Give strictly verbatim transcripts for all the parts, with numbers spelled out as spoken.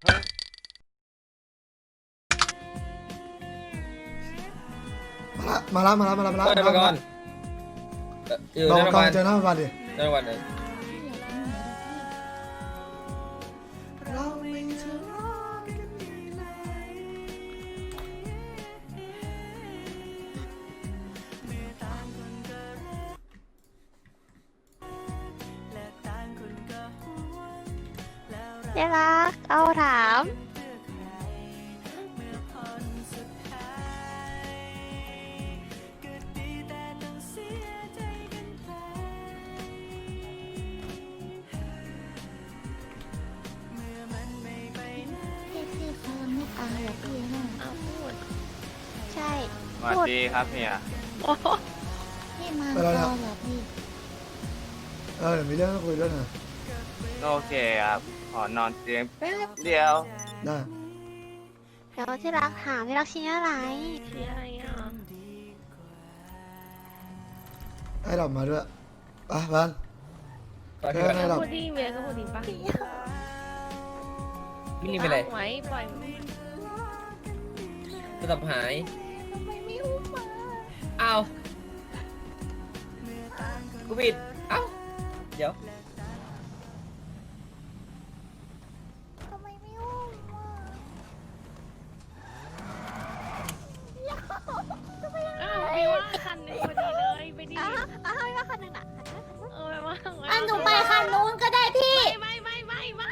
มาละมาละมาละมาละมาละเดินมาก่อนอยู่ลองในโรงพก่อยยาน บาลเจอหน้าโรงพยาบาลดิในโรงพยาบาลเลยเราไม่ทะเลาะกันดีเลยเดี๋ยวรักเอาถามพี่พี่เขาไม่ตายหรอกพี่นะเอาพูดใช่สวัสดีครับเฮียโอ้โหพี่มาตอนเหรอพี่เออเดี๋ยวมีเรื่องต้องคุยด้วยนะโอเคครับ ขอนอนเตียงแป๊บเดียวได้เดี๋ยวที่รักถามที่รักชี้อะไรชี้อะไรอ่ะให้ดอกมาด้วยอ่ะบ้านไปพี่ก่อนให้ดอกพูดดีเมียก็พูดดีปะพี่นี่เป็นไรไว้ปล่อยโทรศัพท์หายทำไมไม่อุ้มมาอ้าวกูผิดเอ้าเดี๋ยวทำไมไม่อุ้มมาอ้าวพี่ว่าคันหนึงพอดีเลยไปดิอ้าวอ้าวไม่ว่าคนหนึ่งอ่ะเออไปว่าอ่ะหนูไปคันนู้นก็ได้พี่ไม่ไม่ไม่ไม่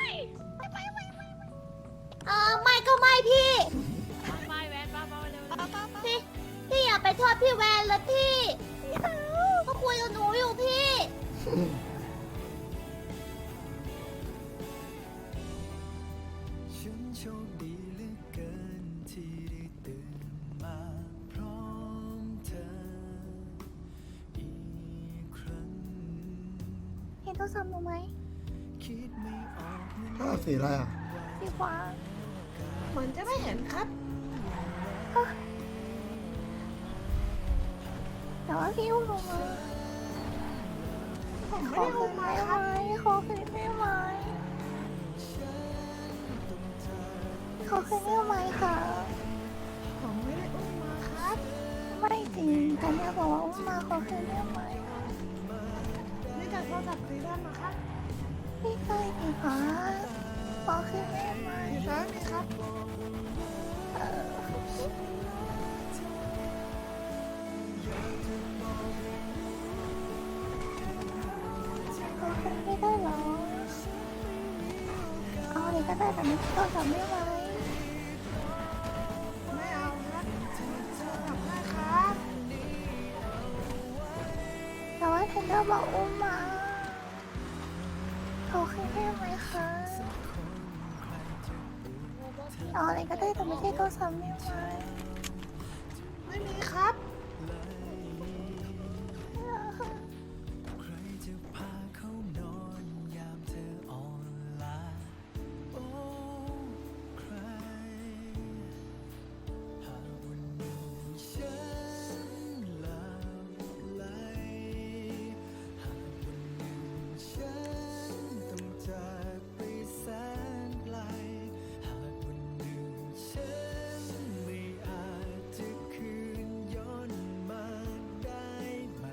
เออไม่ก็ไม่พี่ไม่ไม่แวนป้าป้าเร็วพี่ พี่อย่าไปโทษพี่แวนเลยพี่เขาคุยกับหนูอยู่พี่ฉันโชคดีเหลือเกินที่ได้ตื่นมาพร้อมเธออีกครั้งเห็นโทรศัพท์หนูไหมคิดไม่ออกเหมือนถ้าสีอะไรอ่ะสีฟ้าเหมือนจะไม่เห็นครับแต่ว่าพี่อุ้มหนูมาผมไม่ได้อุ้มมาครับขอคืนได้ไหมขอคืนได้ไหมคะผมไม่ได้อุ้มมาครับไม่จริงแต่เนี่ยบอกว่าอุ้มมาขอคืนได้ไหมนี่จากโทรศัพท์ซื้อได้มาครับพี่เคยมีคะขอคืนได้ไหมครับนี่ครับเออขอคืนไม่ได้เหรอเอาเลยก็ได้แต่ไม่ต้องทำไม่ไหวไม่เอาครับทำได้ครับแต่ว่าเทนเดอร์บอกอุ้มมาขอคืนได้ไหมคะเอาอะไรก็ได้แต่ไม่ใช่โทรศัพท์ไม่ไหวไม่มีครับใครจะพาเขานอนยามเธออ่อนล้าโอ้ใครหากวันหนึ่งฉันหลับไหลหากวันหนึ่งฉันต้องจากไปแสนไกลหากวันหนึ่งฉันไม่อาจจะคืนย้อนมาได้ไหม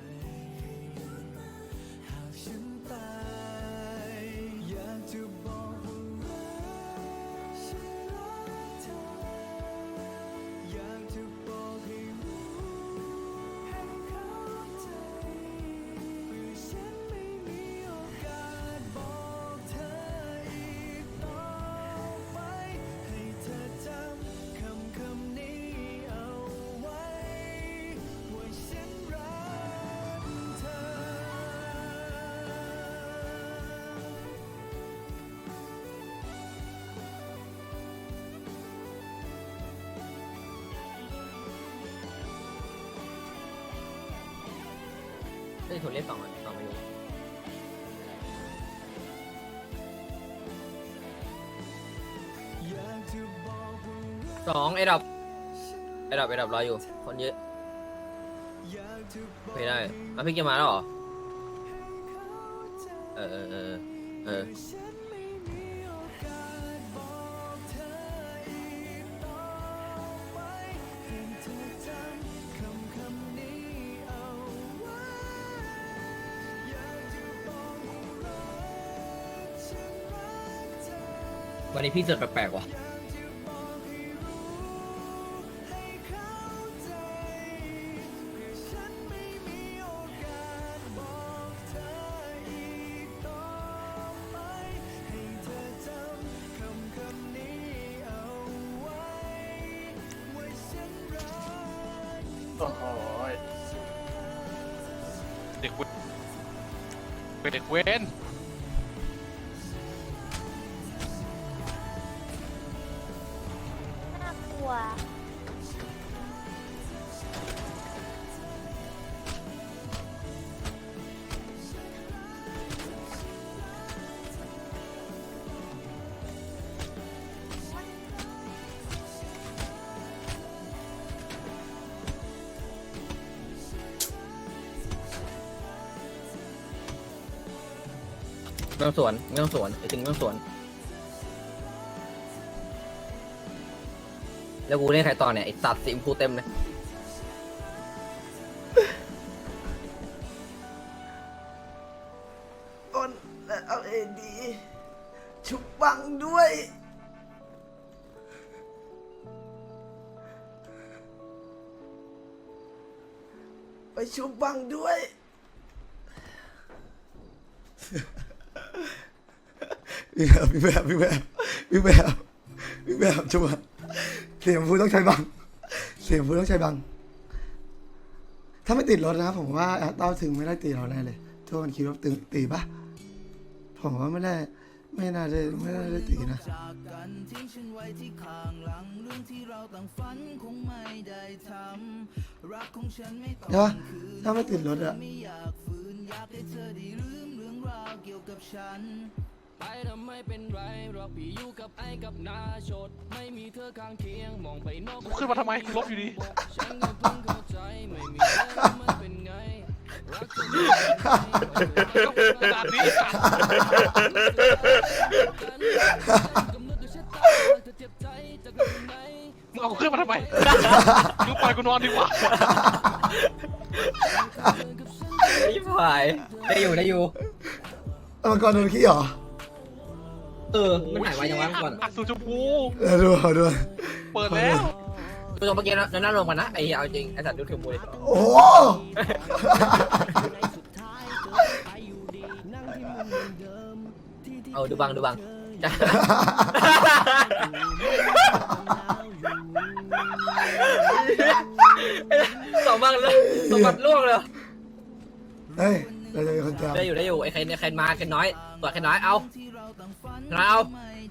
หากฉันตายอยากจะบอกว่ารักฉันรักเธออยากจะบอกให้รู้ให้เข้าใจแต่ฉันไม่มีโอกาสบอกเธออีกต่อไปให้เธอจำคำคำนี้เอาไว้ว่าฉันรักเธอเฮ้ยโทรเรียกสองอ่ะสองไม่รู้สองไอ้ดับไอ้ดับไอ้ดับรออยู่ คนเยอะไม่ได้อ่ะพี่เกมมาแล้วเหรอ เออเออเออเออวันนี้พี่เสือกแปลกๆว่ะโอ้โหเด็กเวเป็นเด็กเว้นน่ากลัวไม่ต้องสวนไม่ต้องสวนไอ้จริงไม่ต้องสวน แล้วกูเล่นใครต่อเนี่ยไอ้สัตว์สีชมพูเต็มเลยอ้นและเอาเอดีชุบบังด้วย ไปชุบบังด้วย พี่แบบพี่แบบพี่แบบพี่แบบพี่แบบชุบอะเสียงพูต้องใช้บัง เสียงพูต้องใช้บัง ถ้าไม่ติดรถนะผมว่าแอดเต้าถึงไม่ได้ตีเราแน่เลยทุกคนคิดว่าตึงตีปะผมว่าไม่ได้ไม่น่าจะไม่น่าได้ตีนะจากกันทิ้งฉันไว้ที่ข้างหลังเรื่องที่เราต่างฝันคงไม่ได้ทำรักของฉันไม่ต้องใช่ปะถ้าไม่ติดรถอะไม่อยากฝืนอยากให้เธอได้ลืมเรื่องราวเกี่ยวกับฉันไปทำไม่เป็นไรหรอกพี่อยู่กับไอ้กับนาชดไม่มีเธอข้างเคียงมองไปนอกขึ้นมาทำไมลบอยู่ดีฉันก็เพิ่งเข้าใจไม่มีเธอมันเป็นไงรักจะไม่เป็นไงขนาดนี้กำหนดด้วยชะตาเธอเจ็บใจจากเรื่องไหนมึงเอากูขึ้นมาทำไมกูปล่อยกูนอนดีกว่าไอ้ผายได้อยู่ได้อยู่เอามังกรโดนขี้เหรอเออ มันหายไปยังวะก่อนอัดสูชมพูเออดูเอาดูเปิดแล้วดูตรงเมื่อกี้นะนั่นลงมานะไอ้เอาจริงไอ้สัตว์ดูถึงมวยโอ้โหเออดูบังดูบังสองบังเลยสองบังล่วงเลยเฮ้ยเราจะเป็นคนจำได้อยู่ได้อยู่ไอ้ใครเนี่ยใครมาใครน้อยตัวใครน้อยเอาน้อยเอา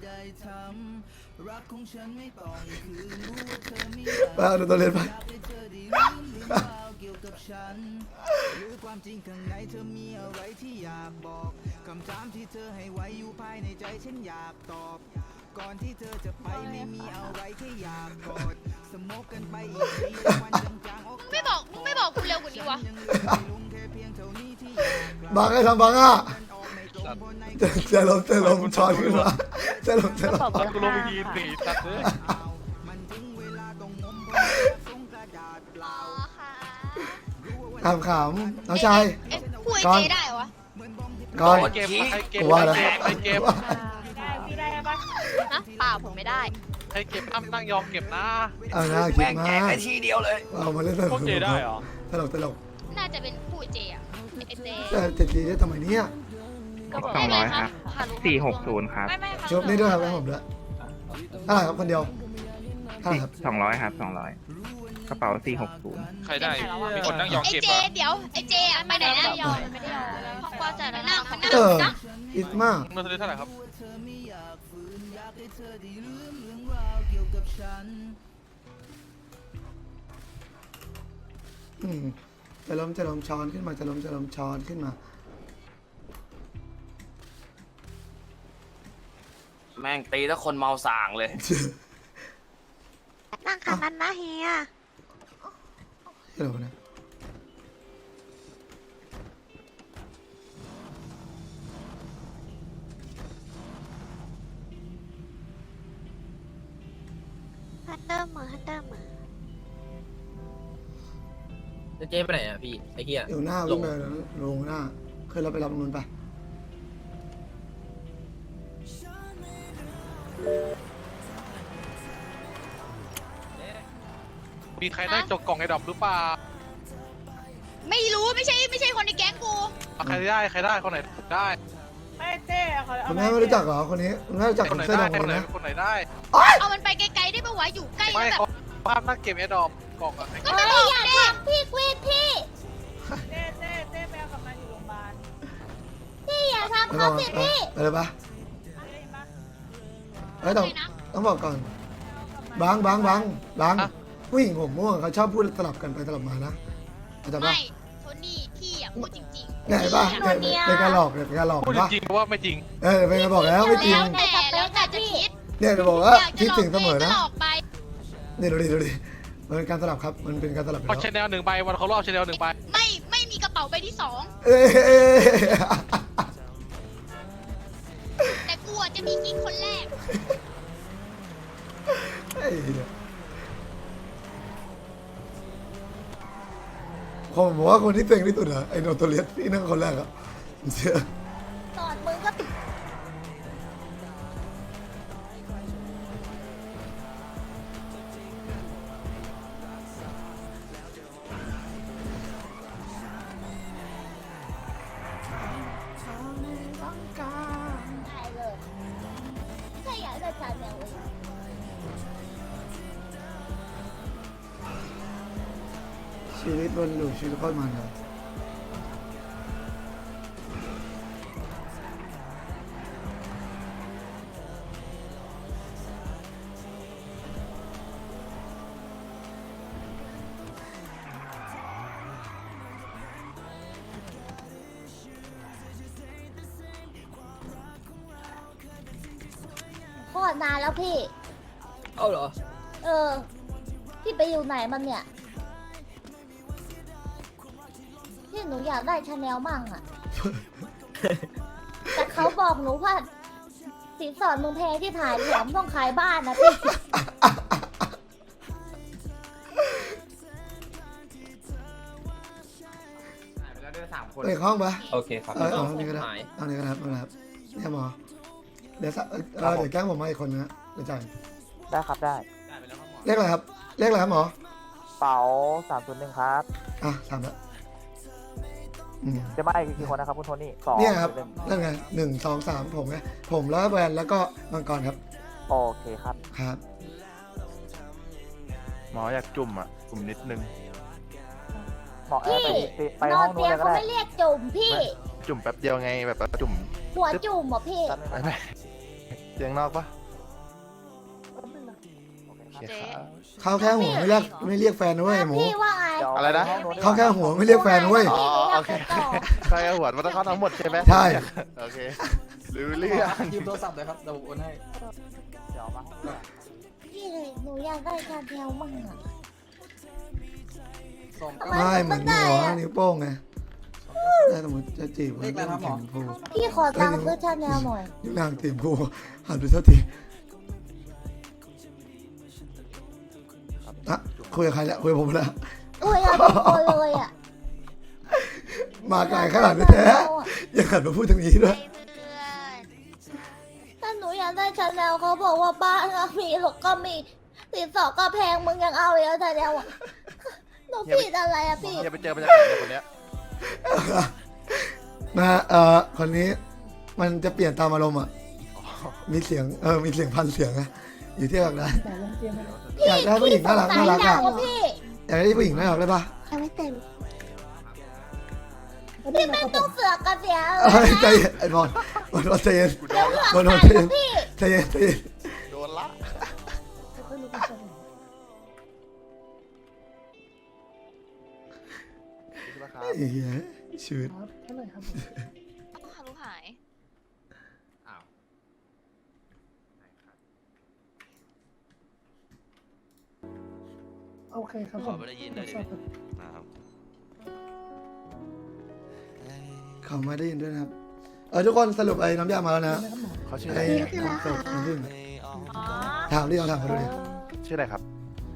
รักของฉันไม่ต้องคืนรู้ว่าเธอไม่ไปเอาดูตัวเล่นไปอยากให้เธอได้ลืมเรื่องราวเกี่ยวกับฉันหรือความจริงข้างในเธอมีอะไรที่อยากบอกคำถามที่เธอให้ไว้อยู่ภายในใจฉันอยากตอบ ก่อนที่เธอจะไปไม่มีอะไรแค่อยากกอดสมกกันไปอีกทีวันจางๆออกไม่บอกมึงไม่บอกกูเร็วกว่านี้วะยังเหลือให้ลุงแค่เพียงเท่านี้ที่อยากบังให้ทำบังอ่ะออกไม่ตรงเพราะในจะจะลงจะลงช้อนขึ้นมาจะลงจะลงตอนกูลงไปยีนสีตัดเลยมันถึงเวลาต้องงมเพราะส่งกระดาษเปล่าขำขำน้องชายเอ๊ะพูดไอ้ก่อนเจได้เหรอวะก่อนเกมใครเกมว่าแล้วใครเกมได้พี่ได้ปะฮะเปล่าผมไม่ได้ใครเก็บอ้ำนั่งยอมเก็บนะเอาหน้าคิดมาเอามาเล่นตลพวกกเจได้เหรอตลกตลกน่าจะเป็นพูดไอ้เจอะไอ้เจแต่จะตีได้ทำไมเนี่ยสองร้อยครับสี่หกศูนย์ครับไม่ไม่ค่ะชบนี่ด้วยครับให้ผมด้วยเท่าไหร่ครับคนเดียวเท่าไหร่ครับสองร้อยครับสองร้อยกระเป๋าสี่หกศูนย์ใครได้มีคนนั่งยอมไอ้เก็บเจเหรอเดี๋ยวไอ้เจอะไปไหนนะยอมไม่ได้ยอมเพราะว่าจะนั่งมันนั่งเออนะอิสมากมันซื้อเท่าไหร่ครับเธอไม่อยากฝืนอยากให้เธอได้ลืมเรื่องราวเกี่ยวกับฉันอืมจะล้มจะล้มช้อนขึ้นมาจะล้มจะล้มช้อนขึ้นมาแม่งตีถ้าคนเมาส่างเลยนั่งคันนั้นนะเฮียเดี๋ยวนะฮันเตอร์มือฮันเตอร์มือจะเจ๊ไปไหนอ่ะพี่ไอ้เหี้ยเดี๋ยวหน้าวิ่งไปลงหน้าเคยเราไปรับนูนไปฉมีใครได้จกกล่องไอ้ดอกหรือเปล่าไม่รู้ไม่ใช่ไม่ใช่คนในแก๊งกูเอาใครได้ใครได้คนไหนได้ไม่เต้เขาเอาคุณแม่ไม่รู้จักเหรอคนนี้คุณแม่รู้จักคคน นไหนเสื้อได้ดำคคน นไหนนะคนไหนได้เอามันไปไกลๆได้ปะวะอยู่ใกล้ไม่แล้วแบบเขาภาพนักเก็บไอ้ดอกกล่องอะก็ไม่อยากทำพี่ควีนพี่เต้เต้เต้แมวกลับมาอยู่โรงพยาบาลพี่อย่าทำไม่บอกไปเลยปะเต้ปะเอ้ยต้องต้องบอกก่อนบางบางบางบางผู้หญิงผมม่วงเขาชอบพูดสลับกันไปสลับมานะเข้าใจปะไม่โทนี่พี่อ่ะพูดจริงๆเนี่ยเห็นปะเนี่ยเป็นการหลอกเนี่ยเป็นการหลอกพูดเห็นปะจริงๆว่าไม่จริงเออเป็นการบอกแล้วไม่จริงแล้วแต่แล้วแต่จะคิดเนี่ยจะบอกว่าอยากจะคิดหลอกถึงเสมอนะก็หลอกไปนี่ดูดิดูดิมันเป็นการสลับครับมันเป็นการสลับอยู่เอาแล้วชแนลหนึ่งใบวันเขารอบชแนลหนึ่งใบไม่ไม่มีกระเป๋าใบที่สองเอ้ยแต่กูอ่ะจะมีกิ๊กคนแรกไอ้เหี้ยผมบอกว่าคนที่เต็งที่สุดอะไอ้โนโตเลียสที่นั่งคนแรกอะผมเชื่อสอนมึงก็ ได้เลยใช่อยากได้ชาแนลเลยชีวิตบนหลูชีวิตโคตรมันครับโคตรนานแล้วพี่เอาเหรอเออ พี่ไปอยู่ไหนมันเนี่ย พี่หนูอยากได้ชาแนลมั่งอะ แต่เขาบอกหนูว่าสินสอดมึงแพงที่ถ่ายแถมต้องขายบ้านนะพี่เอ้ยห้องปะโอเคครับเออเอาอันนี้ก็ได้หายเอาอันนี้ก็ได้เอานะครับเนี่ยหมอเดี๋ยวสักเออเออเดี๋ยวแกล้งผมมาอีกคนนึงนะเดี๋ยวจ่ายได้ครับได้เลขอะไรครับเลขอะไรครับหมอเป๋าสามศูนย์หนึ่งครับอ่ะสามละอืมจะมาอีกกี่คนนะครับคุณโทนี่สองเนี่ยครับนั่นไงหนึ่งสองสามผมไงผมแล้วแวนแล้วก็มังกรครับโอเคครับครับหมออยากจุ่มอ่ะ จุ่มนิดนึงหมอแอร์ไปพี่ไปนห้ออน งนู้เตีนยงเลยก็เขาได้ไม่เรียกจุ่มพี่จุ่มแป๊บเดียวไงแบบว่าจุ่มหัวจุ่มเหรอพี่ไม่ไม่เตียงนอกปะโอเคครับเขาแค่หัวไม่เรียกไม่เรียกแฟนนะเว้ยหมูพี่ว่าไงเดี๋ยวอะไรนะปห้งดีกว่เขาแค่หัวไม่เรียกแฟนนะเว้ยอ๋อโอเคใครเอาหัวมันต้องเข้าทั้งหมดใช่ไหมใช่โอเครู้เรื่องยืมโทรศัพท์เลยครับเดี๋ยวผมโอนให้เดี๋ยวมาห้องนู้นพี่เลยหนูอยากได้ชาแนลมั่งอะสองทำเก้าไม่เหมือนหัวอะนิ้วโป้งไงถ้าสมมติจะจีบมันต้องเข็มพูพี่ขอตังค์ซื้อชาแนลหน่อยนิ้วนางเต็มพูหันไปเท่าทีอะคุยกับใครแล้วคุยกับผมแล้วอุ้ยเอาทุกคนเลยอ่ะมาไกลขนาดนี้แท้ยังหันมาพูดทางนี้ด้วยถ้าหนูอยากได้ชาแนลเขาบอกว่าบ้านก็มีหรอกก็มีสินสอดก็แพงมึงยังเอาเลยชาแนลอ่ะหนูผิดอะไรอ่ะพี่อย่าไปเจอมาจากไหนคนเนี้ยนะเอ่อคนนี้มันจะเปลี่ยนตามอารมณ์อ่ะมีเสียงเออมีเสียงพันเสียงอะอยู่ที่อยากได้อยากได้ผู้หญิงน่ารักน่ารักพี่อ่ะสงสัยหนักพี่อยากได้ผู้หญิงน่ารักได้ปะยังไม่เต็มพี่ไม่ต้องเสือกกันเสียเอ้ยใจเย็นไอ้บอลบอลบอลใจเย็นเดี๋ยวเสือกบอลบอลกัใจนเย็นพี่ใจเย็นใจเย็นโดนละไอ้เหี้ยชีวิตลูกหายโอเคครับผมไม่ได้ยินเลยดินะครับเขาไม่ได้ยินด้วยนะครับเออทุกคนสรุปไอ้น้ำยามาแล้วนะเขาชื่ออะไรไอ้ของสดน้ำผึ้งถามดิลองถามเขาดูดิชื่ออะไรครับ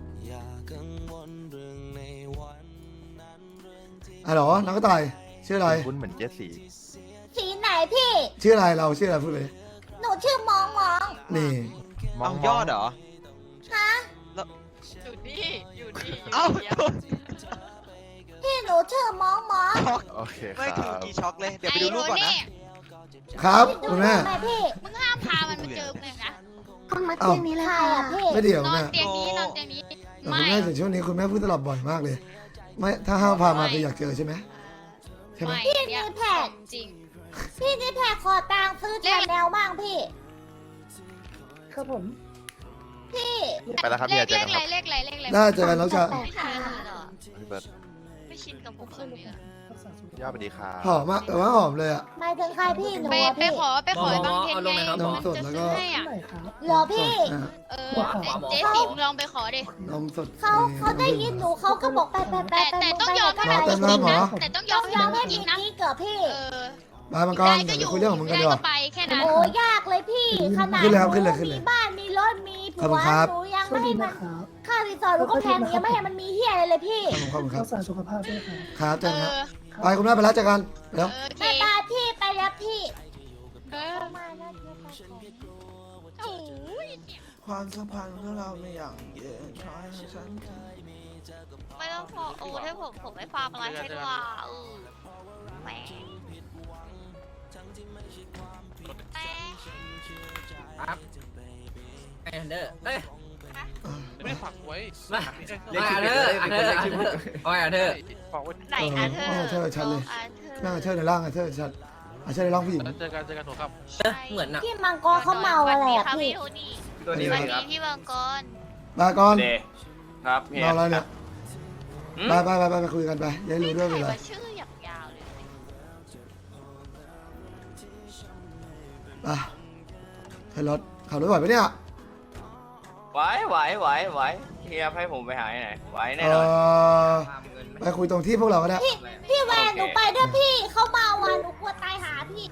อ่ะเหรอน้องก็ตายชื่ออะไรคุณเหมือนเจสซี่สีไหนพี่ชื่ออะไรเราชื่ออะไรพูดเลยหนูชื่อมองมองนี่มองยอดเหรอฮะอยู่นี่อยู่นี่เอ้าพี่หนูชื่อมองมองช็อกโอเคคไม่รัถึงบกี่ช็อกเลย เดี๋ยวไปดูรูปก่อนนะครับคุณแม่แม่พี่มึงห้ามพามันมาเจอเลยนะคนมาเตียงนี้เลยค่ะพี่ไม่เดี๋ยวนอนแม่เตียงนี้นอนเตียงนี้แต่ไม่คุณแม่ถึงช่วงนี้คุณแม่พูดตลอดบ่อยมากเลย ไม่ถ้าห้ามพามาคืออยากเจอใช่ไหมใช่ไหมไม่พี่เนี่นี่ยแพกจริงพี่นี่แพกขอตังค์ซื้อแชนแนลบ้างพี่ครับผมพี่ไปแล้วครับเลเมียขเจอเลกันขคไรรับเลขไรเลขไรได้เจอกันน้องชายไม่ชินเหรอพี่เบิร์ดไม่ชินกับผมคนนี้ย่าสวัสดีครับหอมมากแต่ว่าหอมเลยอ่ะหมายถึงใครพี่หนูไปอะไปพี่ขอไปขอบางเทนไงนมมันสดจะแล้วก็ซื้อให้อ่ะเหรอพี่อ่ะเออเจ๊ติ๋มลองไปขอดินมสดเขาเขาได้ยินหนูเขาก็บอกไปไปไปแต่ไปแต่ต้องยอมให้มันเต็จมแล้วริงหมอนะแต่ต้องยอมให้ยอมัมนให้จมีริงนะกิ๊กเกิดพี่เออมามังกรได้เดี๋ก็ยวอยู่ไปคุยเรื่องของมึงกันดีกได้ว่าก็ไปแค่นั้นโอ้ยากเลยพี่ขนาดขึ้นเลยครับหขึ้นเลยขึ้นเลยมีบ้านมีรถมีผัขอบคุวณครับหนูยังไม่ให้มันค่ารีสอร์ทหนูก็แพงยังไม่ให้มันมีเฮียอะไรเลยพี่ขอบคุณครับรักษาสุขภาพด้วยครับครับเจเออกันครับอไปคุณแม่ไปแล้วเจอกันเดี๋ยวเออโอเคไปบายพี่ไปแล้วพี่เออมานะเดี๋ยวไปก่อนโอ้ยความสัมพันธ์ของเราไม่อย่างเย็นคอยให้ฉันไม่ต้องขอโอ้ให้ผมผมไม่ฟาร์มอะไรให้ด้วยเออแหมแหมครับไออันเดอร์เอ้ยไม่ได้ฝากไว้มาไออันเดอร์อันเดอร์อันเดอร์ไออันเดอร์ฝากไว้ไหนอาเธอเออเธอชัดเลยอาเธอนั่งกับเธอในร่างกับเธอชัดอ่ะเธอในร่างผู้หญิงเจอกันเจอกันถูกครับเหมือนอะพี่มังกรเขาเมาอะไรอ่ะสวัสดีพี่ค่ะพี่โทนี่ตัวนี้สเลวัสยคดีรับพี่มังกรมาก่อนเดครับเฮียเมาแล้วเนี่ยอืมไปไปไปไปไปคุยกันไปอยัยรู้ด้วยเวใครลาว่าชื่ออย่างยาวเลยอ่ะเธอรถขับรถไหวปะเนี่ยไหวไหวไหวไหวเฮียให้ผมไปหาที่ไหนไหวแน่เอนอนอไปคุยตรงที่พวกเราก็ได้พี่แวนหนูไปด้วยพี่เขาเมาอ่ะหนูกลัวตายหาพี่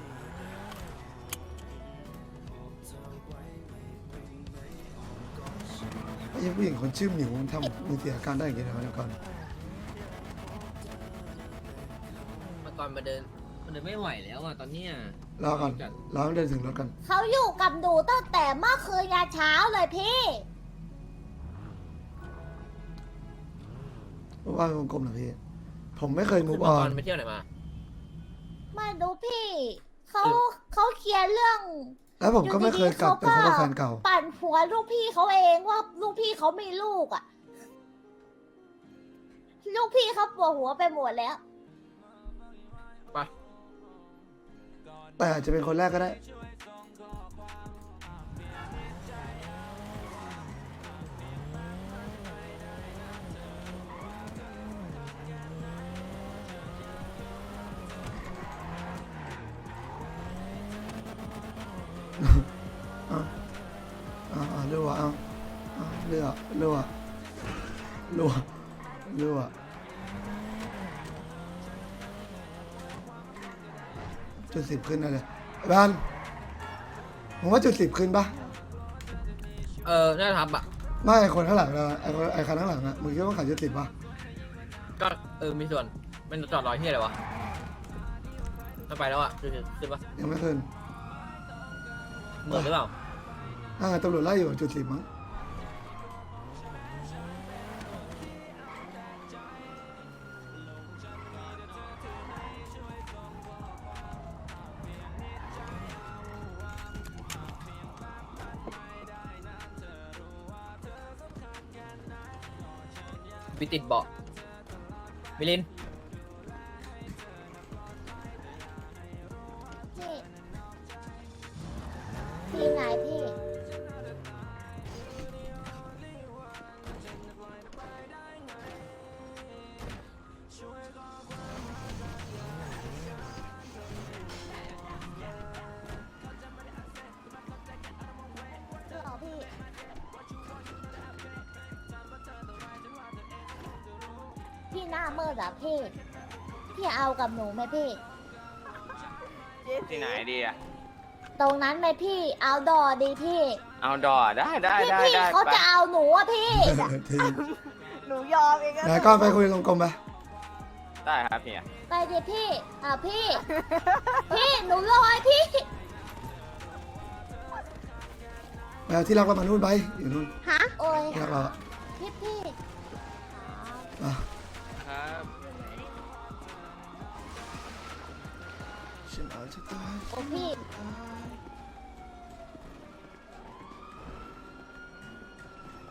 ไอ้ผู้หญิงคนชื่อหมิวมันทำมือเสียอาการได้อย่างเงี้ยนะเดี๋ยวก่อนมังกรมาเดินมันเดินไม่ไหวแล้วอ่ะตอนเนี้ยรอก่อนรอให้เดินถึงรถกันเขาอยู่กับหนูตั้งแต่เมื่อคืนยาเช้าเลยพี่ว่าเป็นวงกลมเหรอพี่ ผมไม่เคยมูมัฟงออก นรไปเที่ยวไหนมาไม่รู้พี่เขาเขาเคลียร์เรื่องแล้วผมก็ไม่เคยกลับไปพบกับแฟนเก่าปั่นหัวลูกพี่เขาเองว่าลูกพี่เขามีลูกอ่ะ ลูกพี่เขาปวดหัวไปหมดแล้วไปแต่อาจจะเป็นคนแรกก็ได้ เอาเอาเอาเรือเอาเอาเรือเรือเรือเรือจุดสิบขึ้นนะเลยไอ้บ้านผมว่าจุดสิบขึ้นปะเออน่าจะทำอ่ะไม่ไอคนข้างหลังเราไอคนไอคันข้างหลังอะมึงคิดว่าขายจุดสิบปะก็เออมีส่วนมันจอดรอที่อะไรวะถ้าไปแล้วอ่ะคือขึ้นปะยังไม่ขึ้นเหมือนหรือเปล่าอ่าตำรวจไล่อยู่จุดสิบมั้งวิติดเบาะมิลินพี่พี่ไหนพี่ หรอพี่ พี่หน้าเมื่อเหรอพี่ พี่เอากับหนูไหมพี่ที่ไหนดีอะตรงนั้นไหมพี่ เอาดอดีพี่เอาดอได้ได้พี่ได้พี่ได้เขาไปจะเอาหนูอะพี่ทีหนูยอมเองไหนก้อนไปคุยกลมๆไปได้ครับเฮียไปดิพี่ อ่ะพี่ พี่หนูลอยพี่ไปเอาที่รักเรามานู่นไปอยู่นู่นฮะ โอ้ยที่รักเราอะพี่พี่อ่ะครับฉันอาจจะตายโอ้พี่